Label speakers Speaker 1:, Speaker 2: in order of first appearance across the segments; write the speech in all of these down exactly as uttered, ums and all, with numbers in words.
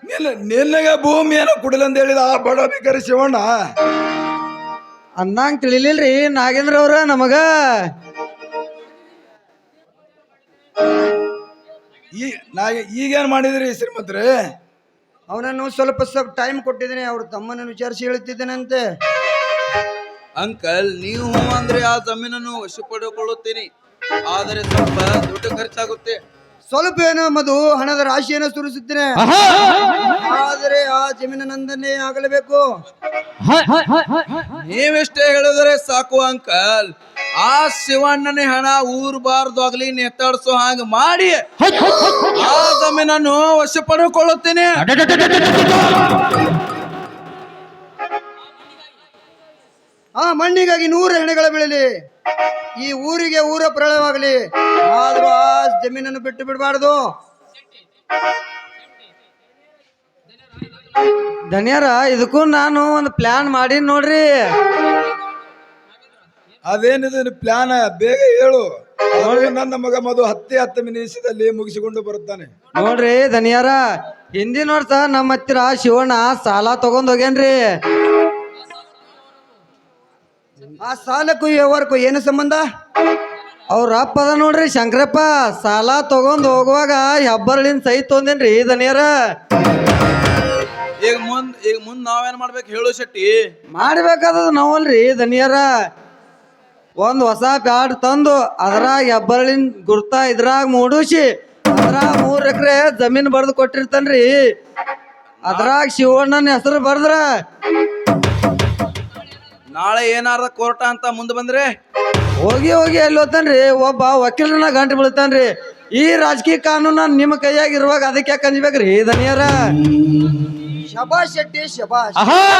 Speaker 1: ನಿನ್ನ ನಿನ್ನಗೆ ಭೂಮಿಯನ್ನು ಕುಡಿಲಂತ ಹೇಳಿದ ಆ ಬಡ ಬೇಕಾರಿ ಶಿವಣ್ಣ
Speaker 2: ಅನ್ನಂಗ್ ತಿಳಿಲಿಲ್ರಿ ನಾಗೇಂದ್ರ ಅವ್ರ ನಮಗ
Speaker 1: ಈ ನಾ ಈಗೇನ್ ಮಾಡಿದ್ರಿ ಶ್ರೀಮಂತ್ರಿ?
Speaker 3: ಅವನನ್ನು ಸ್ವಲ್ಪ ಸ್ವಲ್ಪ ಟೈಮ್ ಕೊಟ್ಟಿದ್ದೇನೆ, ಅವ್ರ ತಮ್ಮನನ್ನು ವಿಚಾರಿಸಿ ಹೇಳ್ತಿದ್ದೇನಂತೆ.
Speaker 4: ಅಂಕಲ್ ನೀವು ಅಂದ್ರೆ ಆ ಜಮೀನನ್ನು ವಶಪಡಿಕೊಳ್ಳುತ್ತೀನಿ, ಆದರೆ ಸ್ವಲ್ಪ ದುಡ್ಡು ಖರ್ಚಾಗುತ್ತೆ.
Speaker 3: ಸ್ವಲ್ಪ ಏನೋ ಮಧು ಹಣದ ರಾಶಿಯನ್ನು ಸುರಿಸುತ್ತೇನೆ, ಆದರೆ ಆ ಜಮೀನು ನಂದನ್ನೇ ಆಗಲೇಬೇಕು.
Speaker 4: ನೀವೆಷ್ಟೇ ಹೇಳಿದರೆ ಸಾಕು ಅಂಕಲ್. ಆ ಶಿವಣ್ಣನೇ ಹಣ ಊರ್ಬಾರ್ದು ಆಗ್ಲಿ ನೆತ್ತಾಡ್ಸೋ ಹಾಗ ಮಾಡಿ ಆ ಜಮೀನನ್ನು ವಶಪಡಿಕೊಳ್ಳುತ್ತೇನೆ.
Speaker 3: ಆ ಮಣ್ಣಿಗಾಗಿ ನೂರು ಹೆಣೆಗಳ ಬೀಳಲಿ, ಈ ಊರಿಗೆ ಊರ ಪ್ರಳಯವಾಗಲಿ, ಆದ್ರೂ ಆ ಜಮೀನನ್ನು ಬಿಟ್ಟು ಬಿಡಬಾರ್ದು.
Speaker 2: ಧನ್ಯರ ಇದಕ್ಕೂ ನಾನು ಒಂದು ಪ್ಲಾನ್ ಮಾಡಿ ನೋಡ್ರಿ.
Speaker 1: ಅದೇನಿದೆ ಪ್ಲಾನ್? ಬೇಗ ಹೇಳು. ನನ್ನ ಮಗ ಮಧು ಹತ್ತೇ ಹತ್ತು ನಿಮಿಷದಲ್ಲಿ ಮುಗಿಸಿಕೊಂಡು ಬರುತ್ತಾನೆ.
Speaker 2: ನೋಡ್ರಿ ಧನ್ಯರ, ಹಿಂದಿನ ವರ್ಷ ನಮ್ಮ ಹತ್ತಿರ ಶಿವಣ್ಣ ಸಾಲ ತಗೊಂಡ್ ಹೋಗ್ಯಾನ್ರಿ.
Speaker 3: ಆ ಸಾಲಕ್ಕೂ ವ್ಯವಹಾರಕ್ಕೂ ಏನು ಸಂಬಂಧ?
Speaker 2: ಅವ್ರ ಅಪ್ಪ ಅದ ನೋಡ್ರಿ ಶಂಕರಪ್ಪ, ಸಾಲ ತಗೊಂಡ್ ಹೋಗುವಾಗ ಹೆಬ್ಬರಳಿನ ಸೈ ತೊಂದೇನ್ರಿ ಧನ್ಯರ.
Speaker 4: ಈಗ ಮುಂದ್ ಈಗ ಮುಂದ್ ನಾವೇನ್ ಮಾಡ್ಬೇಕು ಹೇಳು ಶೆಟ್ಟಿ?
Speaker 2: ಮಾಡ್ಬೇಕಾದದ ನಾವಲ್ರಿ ಧನ್ಯರ, ಒಂದ್ ಹೊಸ ಪ್ಯಾಡ್ ತಂದು ಅದ್ರಾಗ ಹೆಬ್ಬರಳಿನ ಗುರ್ತ ಇದ್ರಾಗ ಮೂಡಿಸಿ ಅದ್ರಾಗ ಮೂರ್ ಎಕರೆ ಜಮೀನ್ ಬರ್ದು ಕೊಟ್ಟಿರ್ತಾನ್ರಿ. ಅದ್ರಾಗ ಶಿವಣ್ಣನ ಹೆಸರು ಬರ್ದ್ರ
Speaker 4: ನಾಳೆ ಏನಾರ ಕೋರ್ಟ ಅಂತ ಮುಂದೆ ಬಂದ್ರೆ
Speaker 2: ಹೋಗಿ ಹೋಗಿ ಎಲ್ಲಿ ಹೋಗ್ತಾನ್ರಿ, ಒಬ್ಬ ವಕೀಲನ ಗಂಟು ಬೀಳ್ತಾನ್ರಿ. ಈ ರಾಜಕೀಯ ಕಾನೂನ ನಿಮ್ಮ ಕೈಯಾಗ ಇರುವಾಗ ಅದಕ್ಕೆ ಯಾಕೆ ಅಂಜ್ಬೇಕ್ರಿ ಧನ್ಯರ?
Speaker 3: ಶಬಾಷ್ ಶೆಟ್ಟಿ ಶಬಾಷ್.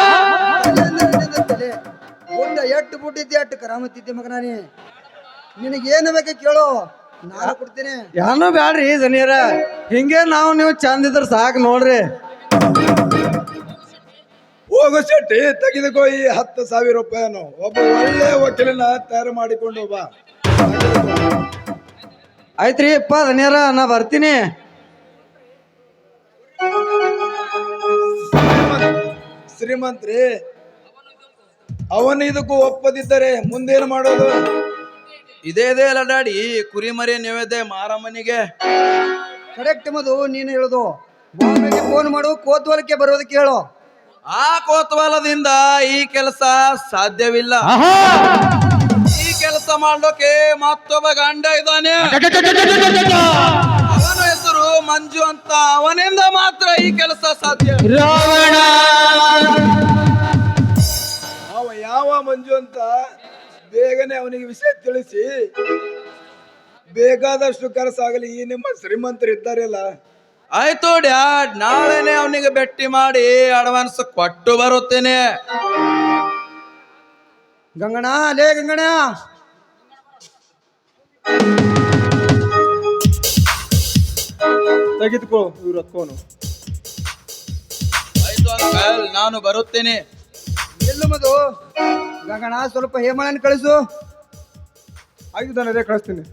Speaker 3: ಗುಂಡ ಎಟ್ಟು ಬುಟ್ಟಿದ್ದೆ ಅಟ್ಟು ಕರಾಮತ್ತಿದ್ದೆ ಮಗನಾನಿ. ನಿನಗೇನು ಬೇಕ ಕೇಳು, ನಾನು ಕೊಡ್ತೇನೆ.
Speaker 2: ಯಾನು ಬ್ಯಾಡ್ರಿ ಧನ್ಯರ, ಹಿಂಗೆ ನಾವು ನೀವು ಚಂದ ಇದ್ರ ಸಾಕು ನೋಡ್ರಿ.
Speaker 1: ಹೋಗು ಶೆಟ್ಟಿ, ತೆಗೆದುಕೋ ಈ ಹತ್ತು ಸಾವಿರ ರೂಪಾಯಿಯನ್ನು. ಒಬ್ಬ ಒಳ್ಳೆ ವಕೀಲನ ತಯಾರು ಮಾಡಿಕೊಂಡು ಬಾ.
Speaker 2: ಆಯ್ತ್ರಿ ಅಪ್ಪ ಧನ್ಯರ, ನಾ ಬರ್ತೀನಿ.
Speaker 1: ಶ್ರೀಮಂತ್ರಿ, ಅವನು ಇದಕ್ಕೂ ಒಪ್ಪದಿದ್ದರೆ ಮುಂದೇನು ಮಾಡೋದು?
Speaker 4: ಇದೇ ಇದೇ ಅಲ್ಲ ಡ್ಯಾಡಿ, ಕುರಿ ಮರಿ ನೈವೇದ್ಯ ಮಾರಮ್ಮನಿಗೆ.
Speaker 3: ಕರೆಕ್ಟ್ ಮಧು, ನೀನು ಹೇಳುದು. ಬಾಂಬೆಗೆ ಫೋನ್ ಮಾಡು, ಕೋತ್ವಾಲಕ್ಕೆ ಬರೋದಕ್ಕೆ ಹೇಳು.
Speaker 4: ಆ ಕೋತ್ವಾಲದಿಂದ ಈ ಕೆಲಸ ಸಾಧ್ಯವಿಲ್ಲ. ಈ ಕೆಲಸ ಮಾಡೋಕೆ ಮತ್ತೊಬ್ಬ ಗಂಡ ಇದ್ದಾನೆ, ಅವನ ಹೆಸರು ಮಂಜು ಅಂತ. ಅವನಿಂದ ಮಾತ್ರ ಈ ಕೆಲಸ ಸಾಧ್ಯ.
Speaker 1: ಅವ ಯಾವ ಮಂಜು ಅಂತ ಬೇಗನೆ ಅವನಿಗೆ ವಿಷಯ ತಿಳಿಸಿ ಬೇಕಾದಷ್ಟು ಖರ್ಚಾಗಲಿ. ಈ ನಿಮ್ಮ ಶ್ರೀಮಂತರು ಇದ್ದಾರಲ್ಲ.
Speaker 4: ಆಯ್ತು ಡ್ಯಾಡ್, ನಾಳೆನೆ ಅವನಿಗೆ ಭೇಟಿ ಮಾಡಿ ಅಡ್ವಾನ್ಸ್ ಕೊಟ್ಟು ಬರುತ್ತೇನೆ.
Speaker 3: ಗಂಗಣ, ಲೇ ಗಂಗಣ,
Speaker 1: ತೆಗೆದುಕೋ ಇವ್ರ ಹತ್ಕೋನು.
Speaker 4: ಆಯ್ತು ಅಂಕಲ್, ನಾನು ಬರುತ್ತೇನೆ.
Speaker 3: ಎಲ್ಲು ಮಧು? ಗಂಗಣ, ಸ್ವಲ್ಪ ಹೇಮಳನ್ ಕಳಿಸು.
Speaker 1: ಆಯ್ತು ತಾನೇ, ಕಳಿಸ್ತೀನಿ.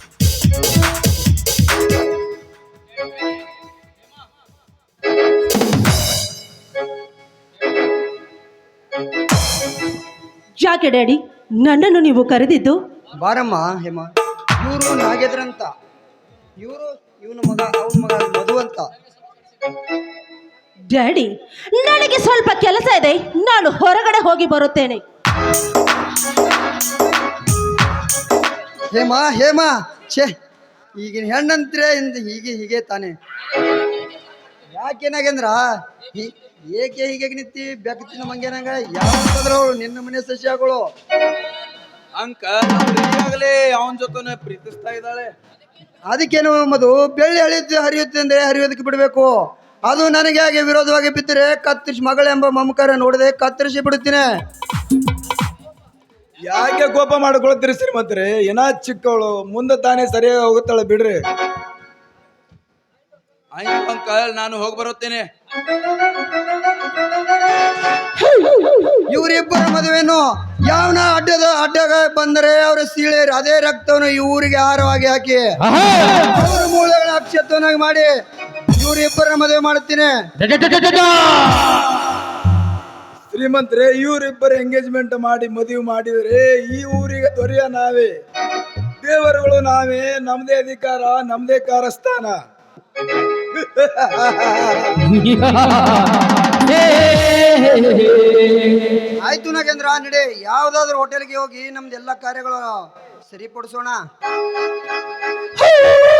Speaker 5: ಯಾಕೆ ಡ್ಯಾಡಿ ನನ್ನನ್ನು ನೀವು ಕರೆದಿದ್ದು?
Speaker 3: ಬಾರಮ್ಮ ಹೇಮ, ಇವರು ನಾಗೇಂದ್ರ ಅಂತ, ಇವರು ಇವನ ಮಗ, ಅವನ ಮಗ ಮಧು ಅಂತ.
Speaker 5: ಡ್ಯಾಡಿ, ನನಗೆ ಸ್ವಲ್ಪ ಕೆಲಸ ಇದೆ, ನಾನು ಹೊರಗಡೆ ಹೋಗಿ ಬರುತ್ತೇನೆ.
Speaker 3: ಹೇಮ ಹೇಮ, ಛೇ, ಈಗಿನ ಹೆಣ್ಣಂತ್ರೆ ಇಂದ ಹೀಗೆ ಹೀಗೆ ತಾನೆ. ಯಾಕೆ ನಾಗೇಂದ್ರ ಹೀ- ಏಕೆ ಹೀಗೆ ನಿಂತಿ ಬೆಕ್ಕತ್ತಿನ ಮಂಗೇನಂಗ? ಯಾವ್ದಾದ್ರು ನಿನ್ನ ಮನೆ ಸಸ್ಯಗಳು.
Speaker 4: ಅಂಕಲ್, ಈಗಾಗಲೇ ಅವನ ಜೊತೆ ಪ್ರೀತಿಸ್ತಾ ಇದ್ದಾಳೆ.
Speaker 3: ಅದಕ್ಕೇನು ಮಧು, ಬೆಳ್ಳಿ ಹಳಿಯುತ್ತೆ ಹರಿಯುತ್ತೆ ಅಂದ್ರೆ ಹರಿಯೋದಕ್ಕೆ ಬಿಡಬೇಕು. ಅದು ನನಗೆ ಹಾಗೆ ವಿರೋಧವಾಗಿ ಬಿದ್ದರೆ ಕತ್ತರಿಸಿ ಮಗಳೆಂಬ ಮಮಕಾರ ನೋಡದೆ ಕತ್ತರಿಸಿ ಬಿಡುತ್ತೇನೆ.
Speaker 1: ಯಾಕೆ ಕೋಪ ಮಾಡ್ಕೊಳ್ತೀರಿ ಶ್ರೀಮಂತ್ರಿ? ಏನ ಚಿಕ್ಕವಳು, ಮುಂದೆ ತಾನೇ ಸರಿಯಾಗಿ ಹೋಗುತ್ತಾಳೆ ಬಿಡ್ರಿ.
Speaker 4: ಆಯ್ತು ಅಂಕಲ್, ನಾನು ಹೋಗಿ ಬರುತ್ತೇನೆ.
Speaker 3: ಇವರಿಬ್ಬರ ಮದುವೆನು ಯಾವನ ಅಡ್ಡದ ಅಡ್ಡಗ ಬಂದರೆ ಅವರ ಸೀಳೆ ಅದೇ ರಕ್ತವನ್ನು ಈ ಊರಿಗೆ ಆಹಾರವಾಗಿ ಹಾಕಿ ಅವರ ಮೂಳೆಗಳ ಅಕ್ಷತ್ವನಾಗಿ ಮಾಡಿ ಇವ್ರಿಬ್ಬರ ಮದುವೆ ಮಾಡುತ್ತೀನಿ.
Speaker 1: ಶ್ರೀಮಂತರೇ, ಇವರಿಬ್ಬರ ಎಂಗೇಜ್ಮೆಂಟ್ ಮಾಡಿ ಮದುವೆ ಮಾಡಿದರೆ ಈ ಊರಿಗೆ ದೊರೆಯ ನಾವೇ, ದೇವರುಗಳು ನಾವೇ, ನಮ್ದೇ ಅಧಿಕಾರ, ನಮ್ದೇ ಕಾರಸ್ಥಾನ.
Speaker 3: ಆಯ್ತು ನಾಗೇಂದ್ರ, ನಡೆ ಯಾವ್ದಾದ್ರು ಹೋಟೆಲ್ಗೆ ಹೋಗಿ ನಮ್ದೆಲ್ಲ ಕಾರ್ಯಗಳು ಸರಿಪಡಿಸೋಣ.